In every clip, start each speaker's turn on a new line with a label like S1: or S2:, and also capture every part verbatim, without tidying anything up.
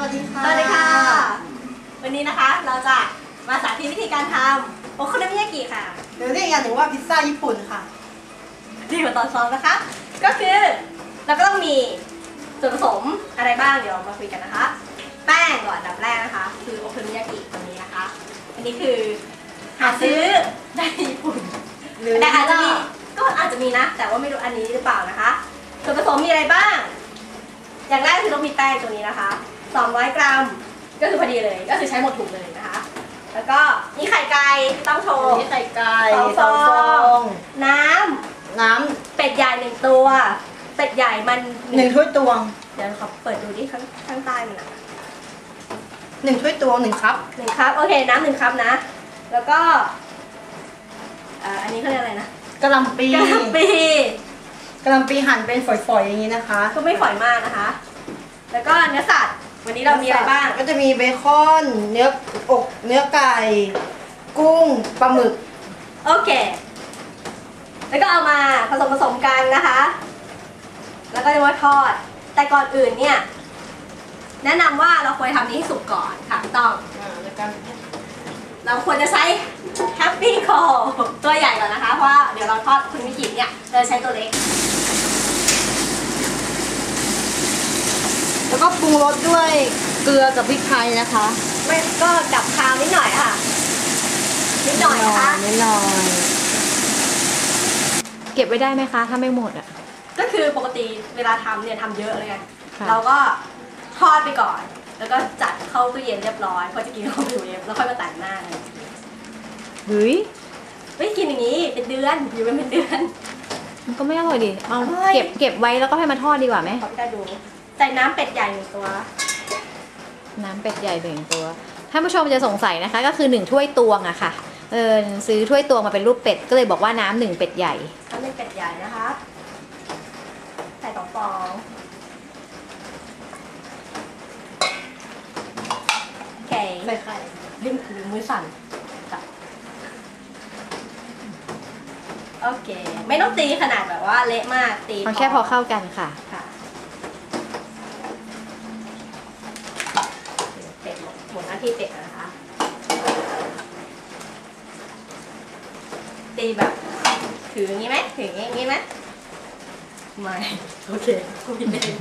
S1: วัสดีค่ะ
S2: สวัสดีค่ะวันนี้นะคะเราจะมาสาธิตวิธีการทำโอโคโนมิยากิค่ะ
S1: หรือเรียกอย่างหนึ่งว่าพิซซ่าญี่ปุ่นค่ะ
S2: ดีกว่าตอนซ้อมนะคะก็คือเราก็ต้องมีส่วนผสมอะไรบ้างเดี๋ยวมาคุยกันนะคะแป้งก่อนอันดับแรกนะคะคือโอโคโนมิยากิตัวนี้นะคะอันนี้คือหาซื้อได้ญี่ปุ่นแต่อาจจะมีก็อาจจะมีนะแต่ว่าไม่รู้อันนี้หรือเปล่านะคะส่วนผสมมีอะไรบ้างอย่างแรกคือต้องมีแป้งตัวนี้นะคะสองร้อยกรัมก็คือพอดีเลยก็คือใช้หมดถุงเลยนะคะแล้วก็มีไข่ไก่ต้องโชว์
S1: มีไข่ไก่
S2: สองฟองน้ำ
S1: น้
S2: ำเป็ดใหญ่หนึ่งตัวเป็ดใหญ่มัน
S1: ำหนึ่งถ้วยตวง
S2: เดี๋ยวขอเปิดดูดิข้างข้างใต้มันนะ
S1: หนึ่งถ้วยตวงหนึ่งคัพ
S2: หนึ่งคัพโอเคน้ำหนึ่งคัพนะแล้วก็อันนี้เขาเรียกอะไรนะ
S1: กะหล่ำปี
S2: กะหล่ำปี
S1: กะหล่ำปีหั่นเป็นฝอยๆอย่างนี้นะคะ
S2: ก็ไม่ฝอยมากนะคะแล้วก็เนื้อสัตว์วันนี้เรามีอะไรบ้าง
S1: ก็จะมีเบคอนเนื้ออกเนื้อไก่กุ้งปลาหมึก
S2: โอเคแล้วก็เอามาผสมผสมกันนะคะแล้วก็จะมาทอดแต่ก่อนอื่นเนี่ยแนะนำว่าเราควรทำนี้ให้สุกก่อนค่ะต้องเราควรจะใช้แฮปปี้คอลตัวใหญ่ก่อนนะคะเพราะว่าเดี๋ยวเราทอดคุณมิจิเนี่ยเราใช้ตัวเล็ก
S1: แล้วก็ปรุงรสด้วยเกลือกับพริกไทยนะคะ
S2: ไม่ก็ดับคาวนิดหน่อยค่ะนิดหน่อยนะคะ
S1: นิดหน่อย
S3: เก็บไว้ได้ไหมคะถ้าไม่หมดอ่ะ
S2: ก็คือปกติเวลาทำเนี่ยทำเยอะเลยไงเราก็ทอดไปก่อนแล้วก็จัดเข้าตู้เย็นเรียบร้อยพอจะกินเข้าตู้เย็นแล้วค่อยมาแต่งหน้าเลย
S3: เฮ้ย
S2: ไม่กินอย่างนี้เป็นเดือนอยู่เป็นเดือน
S3: มันก็ไม่อร่อยดิเอาเก็บเก็บไว้แล้วก็ให้มาทอดดีกว่าไหม
S2: ขอพี่ได้ดูใส่น้ำเป็ดใหญ่หนึ่งตัว
S3: น้ำเป็ดใหญ่หนึ่งตัวท่านผู้ชมจะสงสัยนะคะก็คือหนึ่งถ้วยตวงอะค่ะเออซื้อถ้วยตวงมาเป็นรูปเป็ดก็เลยบอกว่าน้ำหนึ่งเป็ดใหญ่
S2: น้ำหนึ่งเป็ดใหญ่นะคะใส่สองฟองโอเค
S1: ใส่ไข่
S2: ริมริมมือสั่นโอเคไม่ต้องตีขนาดแบบว่าเละมากตี
S3: เอาแค่พอเข้ากันค่ะ
S2: ค่ะเป็ดหมดหน้าที่เป็ดนะคะตีแบบถืออย่างนี้ไหมถืออย่างนี้ไหมไม่โอเคคุณผิดเอง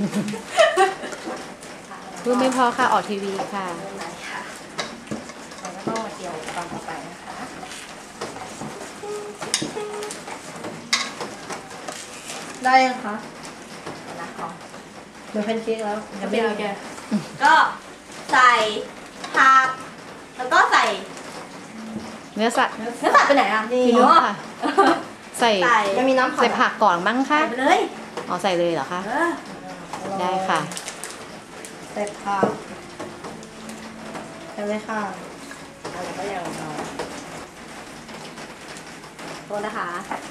S3: พูดไม่พอค่ะออกทีวีค่ะ
S2: ไหนค่ะเราก็ต้องมาเกี่ยวตอนต่อไปนะคะ
S1: ได้ยังคะ
S2: นะขอ
S1: เดี๋ยวแพนเค้กแล้ว
S2: จะเป็นยังไงก็ใส่ผักแล้วก็ใส่
S3: เนื้อสัตว์
S2: เนื้อสัตว์ไปไหนอ่ะ
S3: นี่เนื้อค่ะใส่
S1: ยังมีน้ำ
S3: ใส่ผักก่อนมั้งคะ
S2: ใส่ไปเลย
S3: อ๋อใส่เลยเหรอคะได้ค่ะ
S1: ใส่ผักใส่เลยค่ะ
S2: อะไรก็ยังรอโทษนะคะ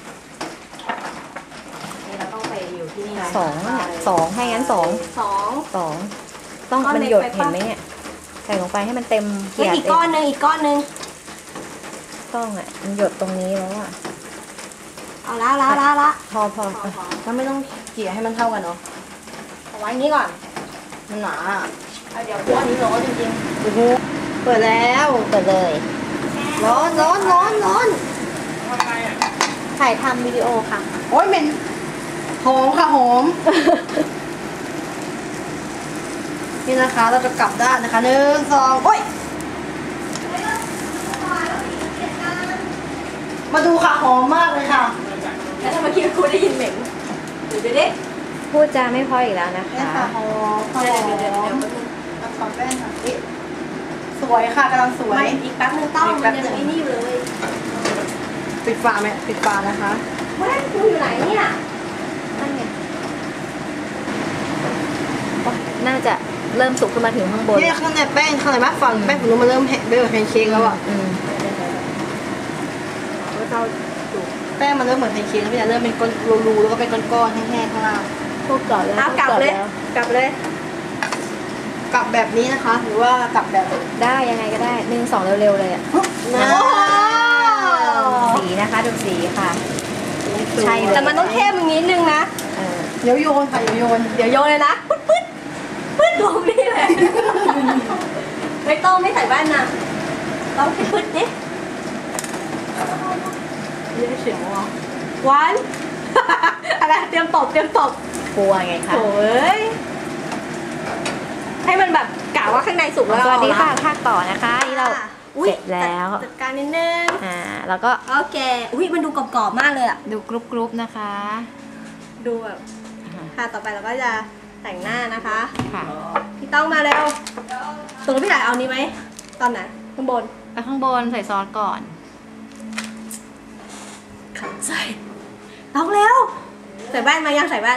S2: นี่เราต้องไปอยู่ที่นี่
S3: สองสองให้งั้นสอง
S2: สอง
S3: สองต้องมันหยดเห็นไหมเนี่ยใส่ลงไปให้มันเต็ม
S2: เกียร์อีกก้อนนึงอีกก้อนนึง
S3: ต้องอ่ะมันหยดตรงนี้แล้วอ่ะ
S2: เอาละละละละ
S3: พอพอ
S1: แล้วไม่ต้องเกี่ยให้มันเท่ากันเนาะ
S2: เอาไว้นี้ก่อน
S1: มันหนา
S2: เดี๋ยวตัวนี้ร้อนจริง
S1: ๆโอ้โหเปิดแล้ว
S3: เปิดเลย
S1: ร้อนร้อนร้อนร้อน
S3: ถ่ายทำวิดีโอค่ะ
S1: โอ้ยเหม็นหอมค่ะหอมนี่นะคะเราจะกลับด้านนะคะหนึ่งสองโอ้ยมาดูค่ะหอมมากเลยค่ะ
S2: แล้วถ้าเมื่อกี้ครูได้ยินเหม็นดูดิดิ
S3: พูดจาไม่พออีกแล้วนะคะ
S1: นี่ค่ะหอมหอม
S2: เดี๋ยวเดี๋ยวเดี๋ยว
S1: เราขอแป้งค่ะสวยค่ะกำลังสวย
S2: อีกแป๊บนึงต้องมันยังไม่นี่อยู่เลย
S1: ปิดฝาไหมปิดฝานะคะ
S2: เฮ้ยครูอยู่ไหนเนี่ย
S3: นั่นไงน่าจะเริ่มสุกขึ้นมาถึงข้างบน
S1: นี่ข้างในแป้งข้างในมากฝั่งแป้งผมรู้มันเริ่มเบลแพนเค้กแล้วอ่ะแป้งมันเริ่มเหมือนแพนเค้กแล้วพี่จะเริ่มเป็นก้อนรูๆแล้วก็เป็นก้อนๆแห้งๆข้างล่าง
S3: พูดก่อนแล้ว
S2: เอากลับเลยกลับเลย
S1: กลับแบบนี้นะคะหรือว่ากลับแบบ
S3: ได้ยังไงก็ได้หนึ่งสองเร็วๆเลยอ่ะสีนะคะดูสีค่ะ
S2: ใช่แต่มันต้องเข้มอย่างนี้นึงนะ
S1: เดี๋ยวโยนค่ะเดี๋ยวโยน
S2: เดี๋ยวโยนเลยนะปึ๊ดปึ๊ดปึ๊ดลงนี่เลยไม่ต้องไม่ใส่แว่นนะต้องพิพึดดิเยอะเฉียวอ่ะวัน อะไรเตรียมตบเตรียมตบ
S3: กลัวไงคะ
S2: โอ้ยให้มันแบบกะว่าข้างในสุกแล้ว
S3: สวัสดีค่ะ
S2: เอาละ
S3: ภาคต่อนะคะนี่เรา
S2: อุ๊ย
S3: เสร็จแล้ว
S2: จัดการนิดนึง
S3: อ่าแล้วก็
S2: โอเคอุ้ยมันดูกรอบๆมากเลยอ่ะ
S3: ดูกรุ๊ปๆนะคะ
S2: ดูแบบค่ะต่อไปเราก็จะแต่งหน้านะคะ
S3: ค่ะ
S2: พี่ต้องมาเร็วตรงพี่ถ่ายเอานี้ไหมตอนไหนข้างบน
S3: ไปข้างบนใส่ซอสก่อน
S2: ขันใส่ต้องเร็วใส่แว่นมายังใส่แว่น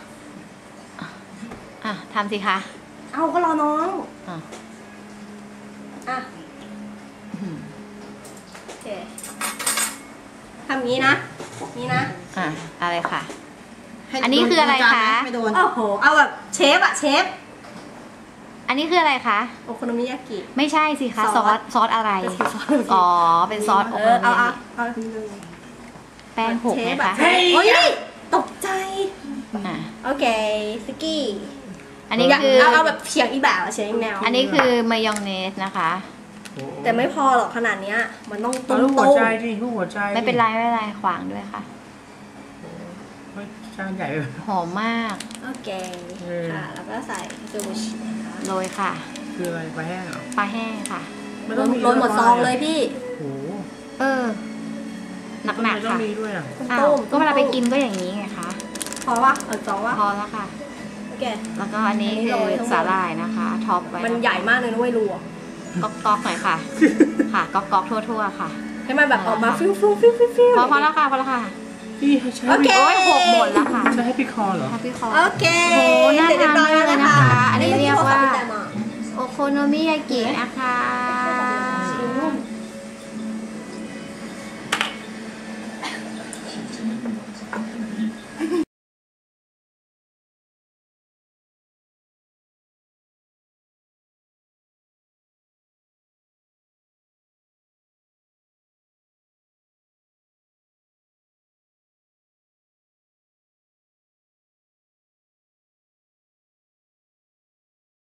S3: อ่ะทำสิคะ
S2: เอาก็รอน้อง
S3: อ่ะ
S2: อ่ะ
S3: อื้อหือ
S2: โอเคทำงี้นะนี่นะ
S3: อ่ะอะไรค่ะ
S1: ให้
S3: อันนี้คืออะไรคะ
S1: ไม่โดน
S2: โอ้โหเอาแบบเชฟอะเชฟ
S3: อันนี้คืออะไรคะ
S2: โอโคโนมิยากิ
S3: ไม่ใช่สิคะ
S2: ซ
S3: ซ
S2: อ
S3: อ
S2: ส
S3: สซอสอะไร
S2: เป็นซอส
S3: อ๋อเป็นซอสโอ
S2: เอ
S3: โค
S2: อ
S3: โน
S2: เอา
S3: มิ
S2: เอา
S3: ยากิ
S2: เอา
S3: แป้งหก
S2: เช
S3: ไหม
S2: ฟอะ
S3: คะ
S2: โอ้ยตกใจ
S3: อ่ะ
S2: โอเคสกี้
S3: อันนี้คือ
S2: เอาเอาแบบเฉียงอีแบบอะเฉียงอีแนว
S3: อันนี้คือมายองเนสนะคะ
S2: แต่ไม่พอหรอกขนาดเนี้ยมันต้อง
S4: เอา
S2: ตุ้ม
S4: ลูกหัว
S2: ตุ้ม
S4: ใจดิลูกหัวใจ
S3: ไม่เป็นไรไม่เป็นไรขวางด้วยค่ะ
S4: เฮ้ยจานใหญ่เลย
S3: หอมมาก
S2: โอเค
S4: เออ
S2: ค่ะแล้วก็ใส่ซูชินะคะ
S3: โรยค่ะ
S4: คืออะไรปลาแห้งเหรอ
S3: ปลาแห้งค่ะ
S4: ไม่
S2: โร
S4: ต้อง
S2: ย
S4: มี
S2: โรยหมดซองเลยพี่
S4: โอ้โห
S3: เออ หนัก
S4: ไม่
S3: ๆ
S4: ต้อง
S3: ค่ะ
S4: มีด้วยอ่ะ
S3: อ้าวก็เวลาไปกินก็อย่างนี้ไงคะ
S2: พอวะเออสองวะ
S3: พอแล้วค่ะ
S2: โอเค
S3: แล้วก็อันนี้
S2: อันนี้
S3: คือ
S2: โรยทั้งหมด
S3: สาหร่ายนะคะท็อปไว้
S2: มันใหญ่มากเลยนะเว้ยรูอะ
S3: ก๊อกก๊อกๆหน่อยค่ะ ค่ะก๊อกก๊อกๆทั่วๆค่ะ
S2: ให้มันแบบออกมาฟิวฟิวฟิวฟิวฟิว
S3: พอพอแล้วค่ะพอแล้วค่ะ
S4: พี่ให้ใช้
S2: โอเค
S3: โอ้ยหกหมดแล้วค่ะ
S4: ใช้ให้พี่คอเหรอ
S3: ค่ะพี่คอ
S2: โอเค
S3: โอ้โหน่า
S2: เสร็จเรียบร้อยแล้ว
S3: ทานมากเลยนะคะอันนี้เรียกว่า
S2: อันนี้
S3: โอโคโนมิยากินะคะ